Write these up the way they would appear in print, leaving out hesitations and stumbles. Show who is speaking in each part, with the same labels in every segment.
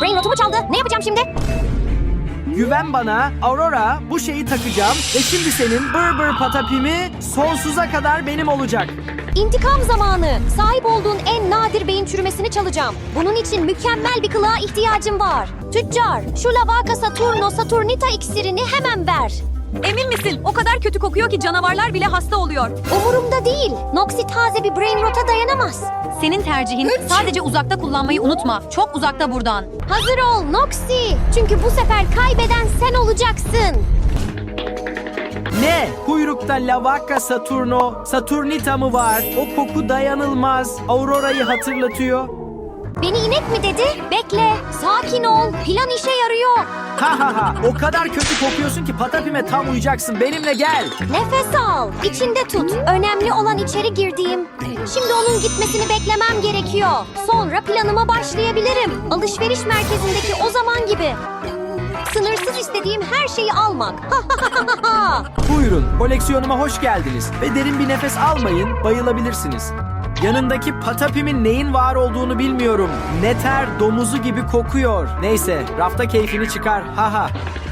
Speaker 1: Brain rotumu çaldı. Ne yapacağım şimdi?
Speaker 2: Güven bana Aurora, bu şeyi takacağım ve şimdi senin bır patapimi sonsuza kadar benim olacak.
Speaker 1: İntikam zamanı. Sahip olduğun en nadir beyin çürümesini çalacağım. Bunun için mükemmel bir kılığa ihtiyacım var. Tüccar, şu Lavaka Saturno Saturnita iksirini hemen ver.
Speaker 3: Emin misin? O kadar kötü kokuyor ki canavarlar bile hasta oluyor.
Speaker 1: Umurumda değil. Noxy taze bir brain rota dayanamaz.
Speaker 3: Senin tercihin. Sadece uzakta kullanmayı unutma. Çok uzakta buradan.
Speaker 1: Hazır ol Noxy. Çünkü bu sefer kaybeden sen olacaksın.
Speaker 2: Ne? Kuyrukta Lavaka Saturnita mı var? O koku dayanılmaz. Aurora'yı hatırlatıyor.
Speaker 1: Beni inek mi dedi? Bekle. Sakin ol. Plan işe yarıyor.
Speaker 2: Ha. O kadar kötü kokuyorsun ki patapime tam uyacaksın. Benimle gel.
Speaker 1: Nefes al. İçinde tut. Önemli olan içeri girdiğim. Şimdi onun gitmesini beklemem gerekiyor. Sonra planıma başlayabilirim. Alışveriş merkezindeki o zaman gibi. Sınırsız istediğim her şeyi almak.
Speaker 2: Buyurun, koleksiyonuma hoş geldiniz. Ve derin bir nefes almayın, bayılabilirsiniz. Yanındaki patapimin neyin var olduğunu bilmiyorum. Neter domuzu gibi kokuyor. Neyse, rafta keyfini çıkar. Ha.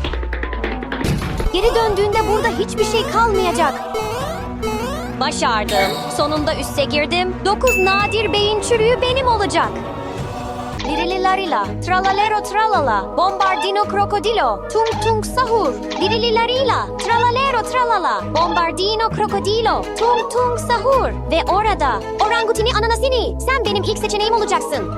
Speaker 1: Geri döndüğünde burada hiçbir şey kalmayacak. Başardım. Sonunda üste girdim. 9 nadir beyin çürüğü benim olacak. Lirililarila, tralalero tralala, bombardino krokodilo, tung tung sahur. Lirililarila, tralalero tralala, bombardino krokodilo, tung tung sahur. Ve orada, orangutini ananasini, sen benim ilk seçeneğim olacaksın.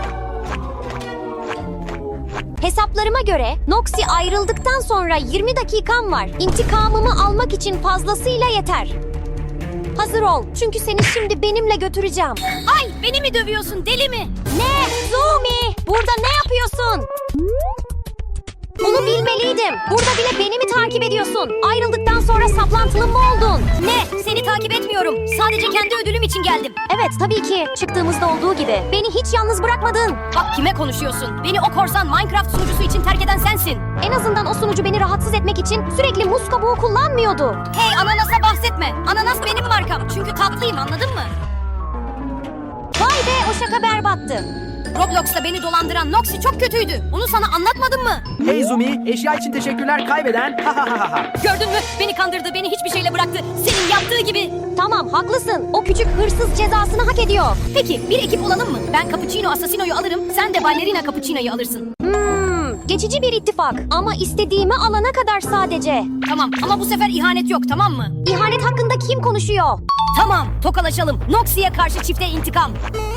Speaker 1: Hesaplarıma göre Noxy ayrıldıktan sonra 20 dakikam var. İntikamımı almak için fazlasıyla yeter. Hazır ol, çünkü seni şimdi benimle götüreceğim.
Speaker 3: Ay, beni mi dövüyorsun, deli mi?
Speaker 1: Ne? Zumi! Burada ne yapıyorsun? Bunu bilmeliydim. Burada bile beni mi takip ediyorsun? Ayrıldıktan sonra saplantılı mı oldun?
Speaker 3: Ne? Seni takip etmiyorum. Sadece kendi ödülüm için geldim.
Speaker 1: Evet, tabii ki. Çıktığımızda olduğu gibi. Beni hiç yalnız bırakmadın.
Speaker 3: Bak kime konuşuyorsun? Beni o korsan Minecraft sunucusu için terk eden sensin.
Speaker 1: En azından o sunucu beni rahatsız etmek için sürekli muz kabuğu kullanmıyordu.
Speaker 3: Hey, ananasa bahsetme. Ananas benim markam. Çünkü tatlıyım, anladın mı?
Speaker 1: Vay be, o şaka berbattı.
Speaker 3: Roblox'ta beni dolandıran Noxy çok kötüydü. Onu sana anlatmadım mı?
Speaker 2: Hey Zumi, eşya için teşekkürler kaybeden. Ha.
Speaker 3: Gördün mü? Beni kandırdı, beni hiçbir şeyle bıraktı. Senin yaptığı gibi.
Speaker 1: Tamam, haklısın. O küçük hırsız cezasını hak ediyor.
Speaker 3: Peki, bir ekip olalım mı? Ben Cappuccino Assassino'yu alırım, sen de Ballerina Cappuccino'yu alırsın.
Speaker 1: Geçici bir ittifak. Ama istediğimi alana kadar sadece.
Speaker 3: Tamam, ama bu sefer ihanet yok, tamam mı?
Speaker 1: İhanet hakkında kim konuşuyor?
Speaker 3: Tamam, tokalaşalım. Noxy'ye karşı çifte intikam.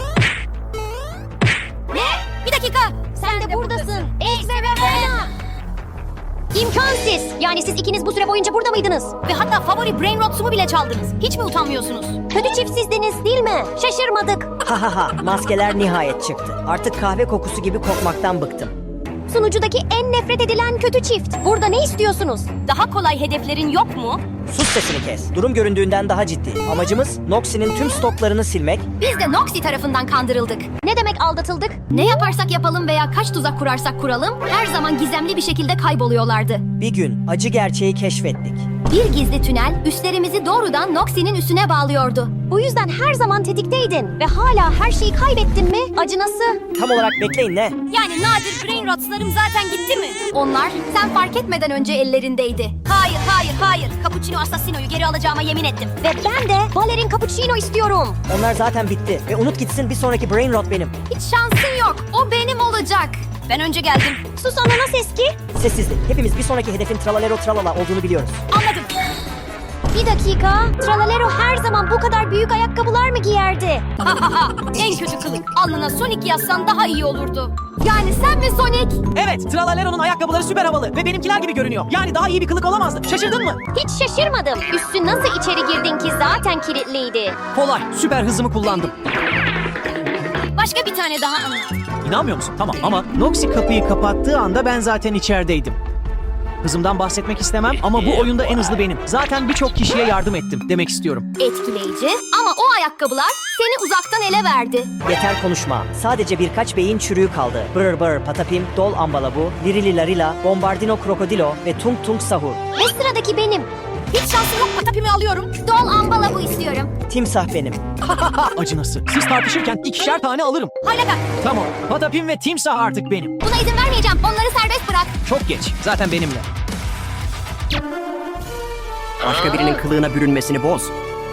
Speaker 3: Ne? Bir dakika.
Speaker 1: Sen de buradasın. X ve Verena. İmkansız. Yani siz ikiniz bu süre boyunca burada mıydınız?
Speaker 3: Ve hatta favori brain rotsumu bile çaldınız. Hiç mi utanmıyorsunuz?
Speaker 1: Kötü çift sizdiniz değil mi? Şaşırmadık.
Speaker 4: Ha, maskeler nihayet çıktı. Artık kahve kokusu gibi kokmaktan bıktım.
Speaker 1: Sunucudaki en nefret edilen kötü çift. Burada ne istiyorsunuz?
Speaker 3: Daha kolay hedeflerin yok mu?
Speaker 4: Sus sesini kes. Durum göründüğünden daha ciddi. Amacımız Noxy'nin tüm stoklarını silmek.
Speaker 3: Biz de Noxy tarafından kandırıldık.
Speaker 1: Ne demek aldatıldık?
Speaker 3: Ne yaparsak yapalım veya kaç tuzak kurarsak kuralım, her zaman gizemli bir şekilde kayboluyorlardı.
Speaker 4: Bir gün acı gerçeği keşfettik.
Speaker 3: Bir gizli tünel üstlerimizi doğrudan Noxy'nin üstüne bağlıyordu.
Speaker 1: Bu yüzden her zaman tetikteydin ve hala her şeyi kaybettin mi? Acınası.
Speaker 4: Tam olarak bekleyin ne?
Speaker 3: Yani nadir brain rotslarım zaten gitti mi? Onlar sen fark etmeden önce ellerindeydi. Hayır. Cappuccino Assassino'yu geri alacağıma yemin ettim.
Speaker 1: Ve ben de Balerin Cappuccino istiyorum.
Speaker 4: Onlar zaten bitti. Ve unut gitsin, bir sonraki brain rot benim.
Speaker 3: Hiç şansın yok. O benim olacak. Ben önce geldim.
Speaker 1: Sus ananas eski.
Speaker 4: Sessizlik. Hepimiz bir sonraki hedefin tralalero tralala olduğunu biliyoruz.
Speaker 3: Anladım.
Speaker 1: Bir dakika. Tralalero her zaman bu kadar büyük ayakkabılar mı giyerdi?
Speaker 3: En kötü kılık. Alnına Sonic yazsan daha iyi olurdu. Yani sen mi Sonic?
Speaker 5: Evet, Tralalero'nun ayakkabıları süper havalı ve benimkiler gibi görünüyor. Yani daha iyi bir kılık olamazdı. Şaşırdın mı?
Speaker 1: Hiç şaşırmadım. Üstü nasıl içeri girdin ki zaten kilitliydi.
Speaker 5: Kolay, süper hızımı kullandım.
Speaker 3: Başka bir tane daha anlat.
Speaker 5: İnanmıyor musun? Tamam ama Noxy kapıyı kapattığı anda ben zaten içerideydim. Hızımdan bahsetmek istemem ama bu oyunda en hızlı benim. Zaten birçok kişiye yardım ettim demek istiyorum.
Speaker 3: Etkileyici ama o ayakkabılar seni uzaktan ele verdi.
Speaker 4: Yeter konuşma. Sadece birkaç beyin çürüğü kaldı. Brr patapim, dol ambalabu, lirili larila, bombardino krokodilo ve tung tung sahur.
Speaker 1: Ve sıradaki benim.
Speaker 3: Hiç şansım yok. Patapimi alıyorum.
Speaker 1: Dol ambala bu istiyorum.
Speaker 4: Timsah benim.
Speaker 5: Acınası. Siz tartışırken ikişer tane alırım.
Speaker 3: Halleder.
Speaker 5: Tamam. Patapim ve timsah artık benim.
Speaker 3: Buna izin vermeyeceğim. Onları serbest bırak.
Speaker 5: Çok geç. Zaten benimle.
Speaker 6: Başka birinin kılığına bürünmesini boz.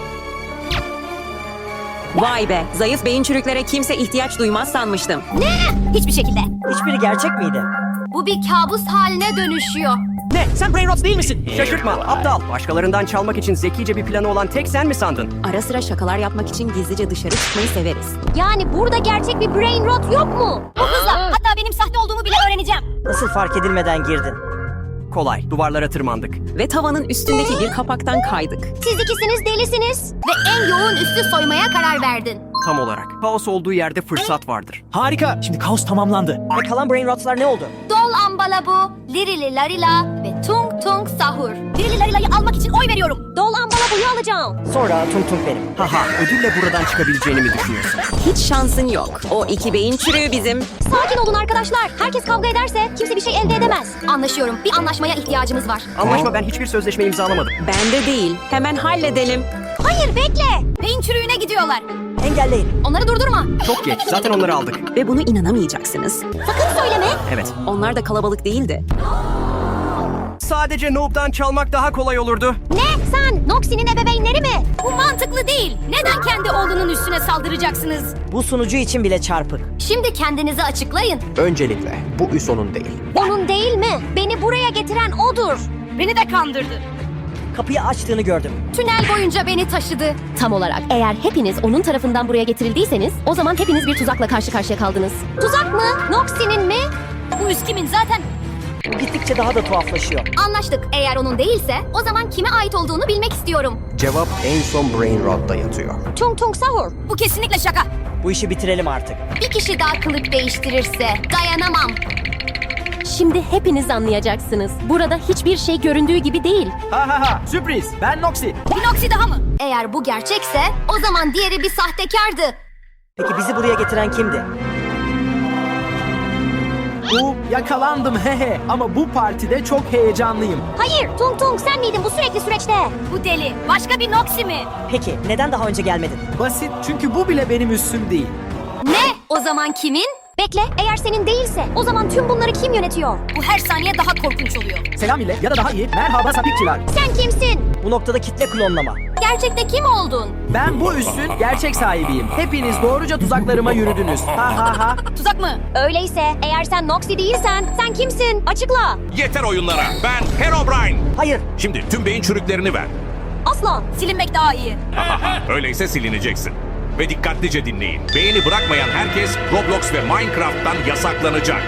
Speaker 7: Vay be, zayıf beyin çürüklere kimse ihtiyaç duymaz sanmıştım.
Speaker 3: Hiçbir şekilde.
Speaker 4: Hiçbiri gerçek miydi?
Speaker 3: Bu bir kabus haline dönüşüyor.
Speaker 5: Ne? Sen Brain Rot değil misin?
Speaker 6: Şaşırtma, aptal. Başkalarından çalmak için zekice bir planı olan tek sen mi sandın?
Speaker 7: Ara sıra şakalar yapmak için gizlice dışarı çıkmayı severiz.
Speaker 1: Yani burada gerçek bir brain rot yok mu?
Speaker 3: Bu hızla. Hatta benim sahte olduğumu bile öğreneceğim.
Speaker 4: Nasıl fark edilmeden girdin?
Speaker 6: Kolay, duvarlara tırmandık.
Speaker 7: Ve tavanın üstündeki bir kapaktan kaydık.
Speaker 1: Siz ikisiniz delisiniz.
Speaker 3: Ve en yoğun üstü soymaya karar verdin.
Speaker 6: Tam olarak. Kaos olduğu yerde fırsat vardır.
Speaker 5: Harika. Şimdi kaos tamamlandı.
Speaker 4: Ve kalan brain rotlar ne oldu?
Speaker 3: Dol ambala bu, lirili larila ve tung tung sahur. Lirili larila'yı almak için oy veriyorum.
Speaker 1: Dol ambala buyu alacağım.
Speaker 4: Sonra tung tung benim.
Speaker 6: Haha, ödülle buradan çıkabileceğini mi düşünüyorsun?
Speaker 7: Hiç şansın yok. O iki beyin çürüğü bizim.
Speaker 1: Sakin olun arkadaşlar. Herkes kavga ederse kimse bir şey elde edemez.
Speaker 3: Anlaşıyorum. Bir anlaşmaya ihtiyacımız var.
Speaker 6: Anlaşma, ben hiçbir sözleşme imzalamadım.
Speaker 7: Ben de değil. Hemen halledelim.
Speaker 1: Hayır bekle.
Speaker 3: Beyin çürüğüne gidiyorlar.
Speaker 4: Engelleyin.
Speaker 3: Onları durdurma.
Speaker 6: Çok geç, zaten onları aldık.
Speaker 7: Ve bunu inanamayacaksınız.
Speaker 1: Sakın söyleme.
Speaker 6: Evet.
Speaker 7: Onlar da kalabalık değildi.
Speaker 6: Sadece Noob'dan çalmak daha kolay olurdu.
Speaker 1: Ne? Sen Noxie'nin ebeveynleri mi?
Speaker 3: Bu mantıklı değil. Neden kendi oğlunun üstüne saldıracaksınız?
Speaker 4: Bu sunucu için bile çarpık.
Speaker 3: Şimdi kendinizi açıklayın.
Speaker 8: Öncelikle bu üs onun değil.
Speaker 1: Onun değil mi? Beni buraya getiren odur.
Speaker 3: Beni de kandırdı.
Speaker 4: Kapıyı açtığını gördüm.
Speaker 3: Tünel boyunca beni taşıdı.
Speaker 9: Tam olarak. Eğer hepiniz onun tarafından buraya getirildiyseniz o zaman hepiniz bir tuzakla karşı karşıya kaldınız.
Speaker 1: Tuzak mı? Noxie'nin mi?
Speaker 3: Bu üst kimin zaten?
Speaker 4: Gittikçe daha da tuhaflaşıyor.
Speaker 3: Anlaştık. Eğer onun değilse o zaman kime ait olduğunu bilmek istiyorum.
Speaker 8: Cevap en son Brain Rot'ta yatıyor.
Speaker 1: Tung tung sahur.
Speaker 3: Bu kesinlikle şaka.
Speaker 4: Bu işi bitirelim artık.
Speaker 3: Bir kişi daha kılık değiştirirse dayanamam.
Speaker 9: Şimdi hepiniz anlayacaksınız. Burada hiçbir şey göründüğü gibi değil.
Speaker 2: Ha ha ha, sürpriz. Ben Noxie.
Speaker 3: Bir Noxie daha mı? Eğer bu gerçekse o zaman diğeri bir sahtekardı.
Speaker 4: Peki bizi buraya getiren kimdi?
Speaker 2: Yakalandım hehe. Ama bu partide çok heyecanlıyım.
Speaker 1: Hayır Tung tung sen miydin bu sürekli süreçte?
Speaker 3: Bu deli. Başka bir Noxie mi?
Speaker 4: Peki neden daha önce gelmedin?
Speaker 2: Basit, çünkü bu bile benim üssüm değil.
Speaker 3: Ne? O zaman kimin?
Speaker 1: Bekle eğer senin değilse o zaman tüm bunları kim yönetiyor?
Speaker 3: Bu her saniye daha korkunç oluyor.
Speaker 2: Selam millet, ya da daha iyi, merhaba sapikçiler.
Speaker 1: Sen kimsin?
Speaker 4: Bu noktada kitle klonlama.
Speaker 3: Gerçekte kim oldun?
Speaker 2: Ben bu üssün gerçek sahibiyim. Hepiniz doğruca tuzaklarıma yürüdünüz. Ha ha ha.
Speaker 3: Tuzak mı?
Speaker 1: Öyleyse eğer sen Noxie değilsen sen kimsin? Açıkla.
Speaker 10: Yeter oyunlara. Ben Herobrine.
Speaker 4: Hayır.
Speaker 10: Şimdi tüm beyin çürüklerini ver.
Speaker 1: Asla.
Speaker 3: Silinmek daha iyi.
Speaker 10: Öyleyse silineceksin. Ve dikkatlice dinleyin. Beyni bırakmayan herkes Roblox ve Minecraft'tan yasaklanacak.